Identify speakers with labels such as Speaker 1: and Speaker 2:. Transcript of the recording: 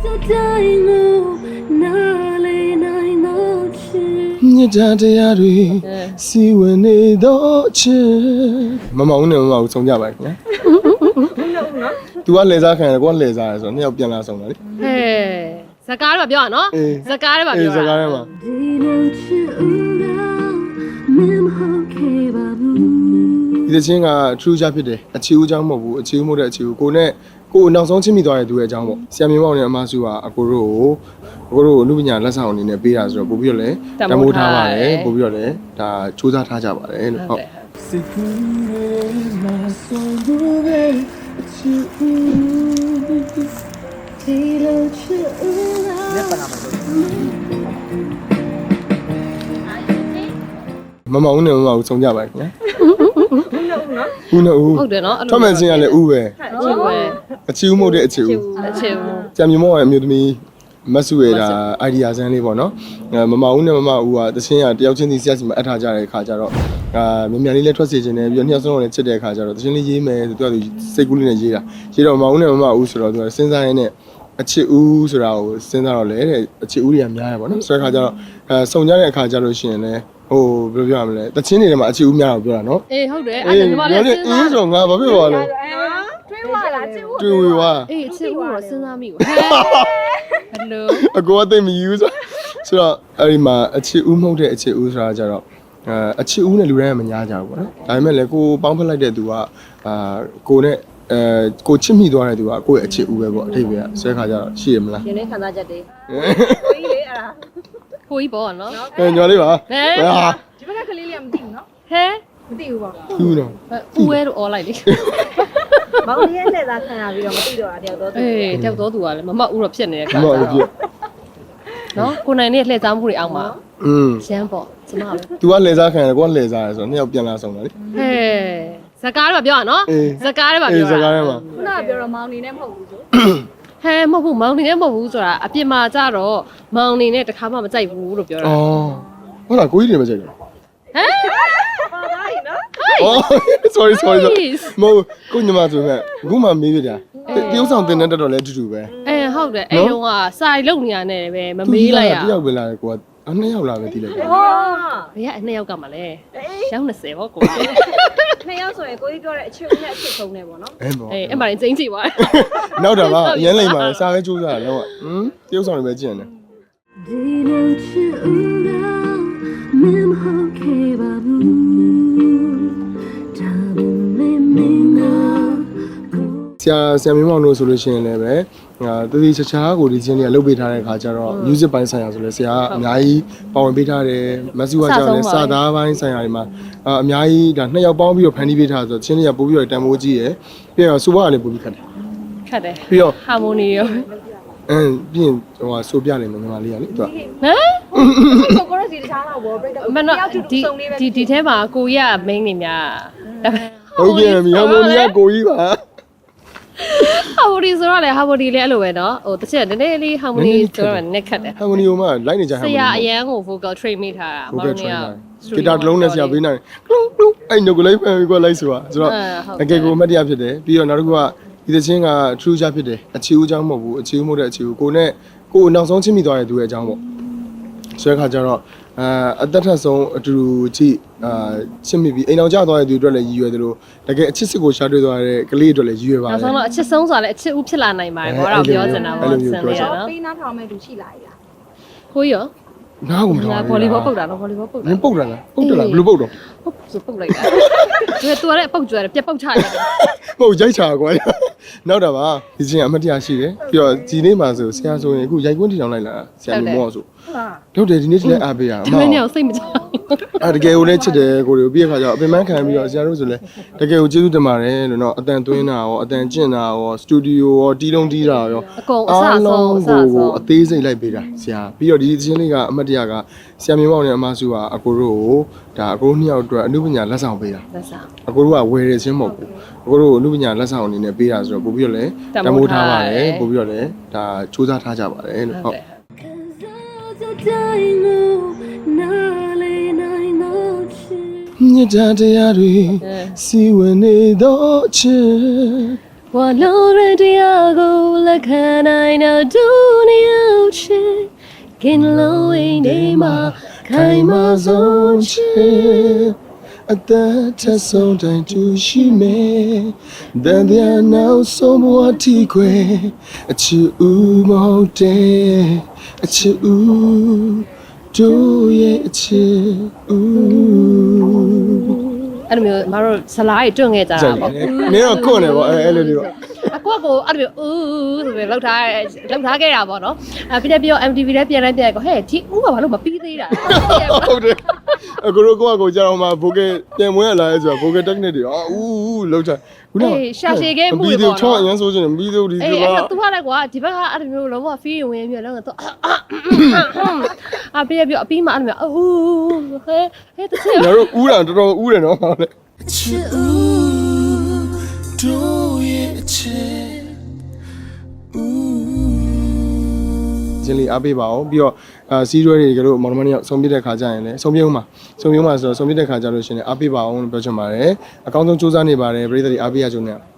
Speaker 1: ညတရားတွေစီဝင်နေတော့ချစ်မမဦးနဲ့မမဦးဆုံးကြပါခင်ဗျာ။ तू ကလဲစားခံတယ်ကိုကလဲစားတယ်ဆိုတော့နှစ်ယောက်ပြန်လာဆုံးတာလေ
Speaker 2: ဟဲ့ဇကားတော့ပြောရနော်ဇကားတွေပါပြောတာ
Speaker 1: ဇကားတွေမှာဒီချင်းက true ချဖြစ်တယ်အခြေဦးเจ้าမဟုတ်ဘူးအခြေဦးမဟုတ်တဲ့အခြေဦးကိုနဲ့ကိုနောက်ဆုံးချင်းမိသွားတဲ့သူရဲ့အကြောင်းပေါ့ဆရာမင်းမောင်နဲ့အမစုကအကိုတို့အမှုပညာလက်ဆောင်အနေနဲ့ပေးတာဆိုတော့ပို့ပြီးတော့လည်းတမိုးထားပါတယ်ပို့ပြီးတော့လည်းဒါစူးစမ်းထားကြပါတယ်လို့ဟုတ်မမဦးနဲ့မမဦးဆုံးကြပါခင်ဗျာဦးနဲ့ဦး
Speaker 2: ဟုတ်တယ်နော်
Speaker 1: ထွက်မယ်ချင်းကလည်းဦးပဲအခြေဦးမဟုတ်တဲ့အခြေဦးဆရာမင်းမောင်ရဲ့အမျိုးသမီးမဆုရတာ idea ဆန်းလေးပေါ့နော်မမဦးနဲ့မမဦးကတချင်းကတယောက်ချင်းစီဆရာစီမှာအပ်ထားကြတဲ့အခါကျတော့မြန်မြန်လေးလည်းထွက်စေခြင်းနဲ့ပြီးတော့နှစ်ယောက်စလုံးလည်းချစ်တဲ့အခါကျတော့တချင်းလေးရေးမယ်ဆိုတော့သူစိတ်ကူးလေးနဲ့ရေးတာရေးတော့မမဦးနဲ့မမဦးဆိုတော့သူကစဉ်းစားရင်းနဲ့အခြေဦးဆိုတာကိုစဉ်းစားတော့လေတဲ့အခြေဦးတွေကများရပါတော့ဆိုတဲ့အခါကျတော့စုံကြတဲ့အခါကျလို့ရှိရင်လည်းဟိုဘယ်လိုပြောရမလဲတချင်းတွေထဲမှာအခြေဦးများတော့ပြောတာနော်
Speaker 2: အေးဟုတ်တယ်အဲ့ဒါညီမလည်းစဉ်းစား
Speaker 1: အေးဆိုငါဘာဖြစ်သွားလဲ
Speaker 3: တွေးဝလားချစ်ဦး
Speaker 1: တွေးဝေဝါ
Speaker 2: အေးအခြေဦးတော့စဉ်းစားမိဘူးဟဲ့ဘယ်လို
Speaker 1: အကိုကသိမယူဆိုတော့အဲ့ဒီမှာအခြေဦးမဟုတ်တဲ့အခြေဦးဆိုတာကြတော့အခြေဦးနဲ့လူတိုင်းကမညာကြဘူးပေါ့နော်ဒါပေမဲ့လည်းကိုပေါင်းဖက်လိုက်တဲ့သူကကိုနဲ့ကိုချစ်မိသွားတဲ့သူကကိုယ့်ရဲ့အခြေဦးပဲပေါ့အထိပ္ပယ်ကဆွဲခါကြတော့ရှိရမလား
Speaker 3: ရင်းနေခံစားချက်တွေကိုကြီးလေအဲ့ဒါ
Speaker 2: ကိုကြီးပေါ့နော်
Speaker 1: ညော်လေးပါ
Speaker 3: ဒီဘက်ကကလေးလေးကမသိဘူးနော်
Speaker 2: ဟဲ
Speaker 3: မသိဘူးပေါ့
Speaker 1: သူ့တော့
Speaker 2: ဦးဝဲတော့អော်လိုက်လေ
Speaker 3: မောင်လေးရဲ့လက်သားခံရပြီးတော့မသိတော့တာတယောက်တော့
Speaker 2: အေးတယောက်တော့သူကလည်းမမဦးတော့ဖြစ်နေတဲ့ခါ
Speaker 1: မမဦးဖြစ်
Speaker 2: နော်ကိုနိုင်နဲ့လှည့်စားမှုတွေအောင်ပါရမ်းပေါ့ကျမပဲ
Speaker 1: तू ကလဲစားခံတယ်ကိုကလဲစားတယ်ဆိုတော့နှစ်ယောက်ပြန်လာဆုံးတာလေ
Speaker 2: ဟဲ့ဇကားတွေပါပြောရနော်ဇကားတွေပါပြောတာ
Speaker 1: ဇကားတွေမှာ
Speaker 3: ခုနကပြောတော့မောင်နေနဲ့မဟုတ်ဘူးဆို
Speaker 2: ဟဲမဟုတ်ဘူးမောင်နေနဲ့မဟုတ်ဘူးဆိုတာအပြင်မှာကြတော့မောင်နေနဲ့တခါမှမကြိုက်ဘူးလို့ပြောတာ
Speaker 1: အော်ဟုတ်လားကိုကြီးတွေမကြိုက်ဘူး
Speaker 3: ဟမ်ပါသားကြီးနော်
Speaker 1: sorry မဟုတ်ကိုညီမဆိုမဲ့အခုမှမေးပြတာတရုပ်ဆောင်တင်တဲ့တက်တော့လဲအတူတူပဲ
Speaker 2: ဟုတ်တယ်အဲ့တော့ကစာရီလုံနေရနဲ့ပဲမမေးလိုက်ရ
Speaker 1: တယောက်ပဲလာတယ်ကိုကနှစ်ယောက်လာပဲတီးလိုက်တယ်
Speaker 3: ဟော
Speaker 2: ဘယ်ကနှစ်ယောက်ကမှလဲရောင်း20ပေါ့ကို
Speaker 3: နှစ်ယောက်ဆိုရင်ကိုကြီးပြောတဲ့အချစ်ဦးနဲ့အချစ်ဆုံးနေပေါ့နော်
Speaker 2: အဲ့မှာကျင်းကြည့်ပါ
Speaker 1: နောက်တော့ကအရင်လိမ့်ပါစာပဲကြိုးစားတယ်တော့တရုပ်ဆောင်တွေပဲကြည့်ရတယ်ဆရာမင်းမောင်တို့ဆိုလို့ရှိရင်လည်းပဲတတိချာချာကိုဒီချင်းတွေကလုပ်ပေးထားတဲ့အခါကျတော့ music ပိုင်းဆိုင်ရာဆိုလဲဆရာကအများကြီးပါဝင်ပေးထားတယ်မဆုကကြောင့်လည်းစာသားပိုင်းဆိုင်ရာတွေမှာအများကြီးဒါနှစ်ယောက်ပေါင်းပြီးတော့ဖန်တီးပေးထားဆိုတော့ချင်းတွေကပို့ပြီးတော့တန်ဖိုးကြီးရယ်ပြီးတော့ဆိုပါကလည်းပို့ပြီးခတ်တယ်ပြီးတော့
Speaker 2: harmony ရော
Speaker 1: ပြီးရင်ဟိုဆိုပြလိုက်မယ်ညီမလေးကလေသူက
Speaker 3: ကိုကိုရစီတခြားတော့ဘောပြိတ္တာ
Speaker 2: မနော်ဒီထဲမှာကိုကြီးက main နေများ
Speaker 1: ဟုတ်ကဲ့မြေဟာမိုနီကကိုကြီးပါ
Speaker 2: ဟာမိုနီဆိုတော့လေဟာမိုနီလည်းအဲ့လိုပဲနော်ဟိုတစ်ချက်နည်းနည်းလေးဟာမိုနီဆိုတော့နက်ခတ်တယ်
Speaker 1: ဟာမိုနီကမှလိုက်နေကြဟာမိုနီ
Speaker 2: ဆရာအရန်ကို vocal train မိထားတာမောင်နေက
Speaker 1: ဂီတာတစ်လုံးနဲ့ဆရာပေးနိုင်ကလုံးအဲ့ညကိုလိုက်ဖန်ပြီးတော့လိုက်ဆိုတာဆိုတော့အကယ်ကိုအမှတ်တရဖြစ်တယ်ပြီးတော့နောက်တစ်ခုကဒီချင်းက true ချဖြစ်တယ်အခြေဦးเจ้าမဟုတ်ဘူးအခြေဦးမဟုတ်တဲ့အခြေဦးကိုနဲ့ကိုနောက်ဆုံးချင်းမိသွားတဲ့သူရဲ့အကြောင်းပေါ့ဆိုတဲ့ခါကျတော့အသက်ထက်ဆုံးအတူတူကြည့်ချစ်မိပြီးအိမ်အောင်ကျသွားတဲ့သူအတွက်လည်းရည်ရွယ်သလိုတကယ်အချစ်စစ်ကိုရှာတွေ့သွားတဲ့ကလေးအတွက်လည်းရည်ရွယ်ပါတယ်
Speaker 2: နောက်ဆုံးတော့အချစ်ဆုံးဆိုတာလည်းအချစ်ဦးဖြစ်လာနိုင်ပါတယ်ဘောတော့ပြောချင်တာပေါ့ဆန်လေးနော်
Speaker 3: ပေးနားထောင်မဲ့သူရှိလာပြီလား
Speaker 2: ကိုရော
Speaker 1: နားကိုမထောင်
Speaker 2: ဘူးဗော်လီဘောပုတ်တာနော်ဗော်လီဘောပုတ်တာ
Speaker 1: နင်ပုတ်တာလားပုတ်တယ်လားဘယ်လိုပုတ်တော့
Speaker 2: ဟုတ်ဆိုပုတ်လိုက်တာသူကလည်းပုတ်ကြွတယ်ပြက်ပုတ်ချရတယ်
Speaker 1: မဟုတ်ရိုက်ချာကွာနောက်တော့ပါဒီချင်းအမတရားရှိတယ်ပြီးတော့ဒီနေ့မှဆိုဆရာဆိုရင်အခုရိုက်ကွင်းထီထောင်လိုက်လာဆရာမောဆိုဟုတ်တယ်ဒီနေ့ဒီလည်းအားပေးရ
Speaker 2: အောင်မင်းရောစိတ်မချ
Speaker 1: တကယ်ကိုလည်းချစ်တယ်ကိုတွေကိုပြီးရခါကျတော့အပင်ပန်းခံပြီးတော့ဆရာတို့ဆိုလည်းတကယ်ကိုကျေးဇူးတင်ပါတယ်လို့နော်အတန်သွင်းတာရောအတန်ကျင့်တာရောစတူဒီယိုရောတီးလုံးတီးတာရော
Speaker 2: အကုန်အဆဆုံး
Speaker 1: ကိုအသေးစိတ်လိုက်ပေးတာဆရာပြီးတော့ဒီချင်းလေးကအမတ်တရားကဆရာမင်းမောင်နဲ့အမစုကအကိုတို့ကိုဒါအကိုတို့နှစ်ယောက်အတွက်အနုပညာလက်ဆောင်ပေးတာ
Speaker 2: လက်ဆောင်
Speaker 1: အကိုတို့ကဝယ်ရခြင်းမဟုတ်ဘူးအကိုတို့အနုပညာလက်ဆောင်အနေနဲ့ပေးတာဆိုတော့ပို့ပြီးတော့လည်းတမိုးထားပါတယ်ပို့ပြီးတော့လည်းဒါစူးစမ်းထားကြပါတယ်လို့ဟုတ်ညတရားတွေစီဝင်နေတော့ချစ်
Speaker 2: ဝါလုံးရတရားကိုလဲ the kind I know do you shit can low in my
Speaker 1: ခိုင်မာဆုံးချစ်အသက်ထက်ဆုံးတိုင်းတူရှိမယ်တန်တရားနောက်ဆုံးဘဝတီခွေအချစ်ဦးမဟုတ်တဲ့အချစ်ဦးတို့ရဲ့အချစ်ဦး
Speaker 2: အဲ့လိုမျိုးမတို့ဇလားကြီးတွန့်ခဲ့ကြတာပေါ့
Speaker 1: နင်းတော့ခွန့်နေပေါ့အဲ့လိုလေးပေါ့
Speaker 2: အကွက်ကိုအဲ့လိုဦးဆိုပြီးလောက်ထားခဲ့တာပေါ့နော်ပြီးတော့ MTV လည်းပြန်လိုက်ပြန်ကိုဟဲ့ဒီဦးကဘာလို့မပြီးသေးတာ
Speaker 1: ဟုတ်တယ်အခုတော့ကိုကြာတော့မှဘိုးကပြန်မွေးလာရဲဆိုတော့ဘိုးက technique တွေဦးလောက်ချခုန
Speaker 2: ရှာရှည်ခဲ့မှု
Speaker 1: ပြီးတော့ချောင်းအရင်ဆိုချင်တယ်ပြီးတော့ဒီက
Speaker 2: အဲ့တော့သူကလည်းကွာဒီဘက်ကအဲ့လိုမျိုးလုံးဝ feel ဝင်ပြီးတော့တော့ပြီးတော့အပြီးမှအဲ့လိုမျိုးဟဲ့တချင်
Speaker 1: ငါတို့ဦးတာတော်တော်ဦးတယ်နော်ဟုတ်လေချစ်ဦးတို့ရဲ့ချစ်ဦးကျင်းလေးအားပေးပါအောင်ပြီးတော့စီးရွဲတွေကတော့မော်ဒမန်ရောက်ဆုံးပြတဲ့ခါကျရင်လည်းဆုံးပြဦးမှာဆိုတော့ဆုံးပြတဲ့ခါကျလို့ရှိရင်အားပေးပါအောင်လို့ပြောချင်ပါတယ်အကောင်းဆုံးစူးစမ်းနေပါတယ်ပြည်သက်တွေအားပေးရကြုံနဲ့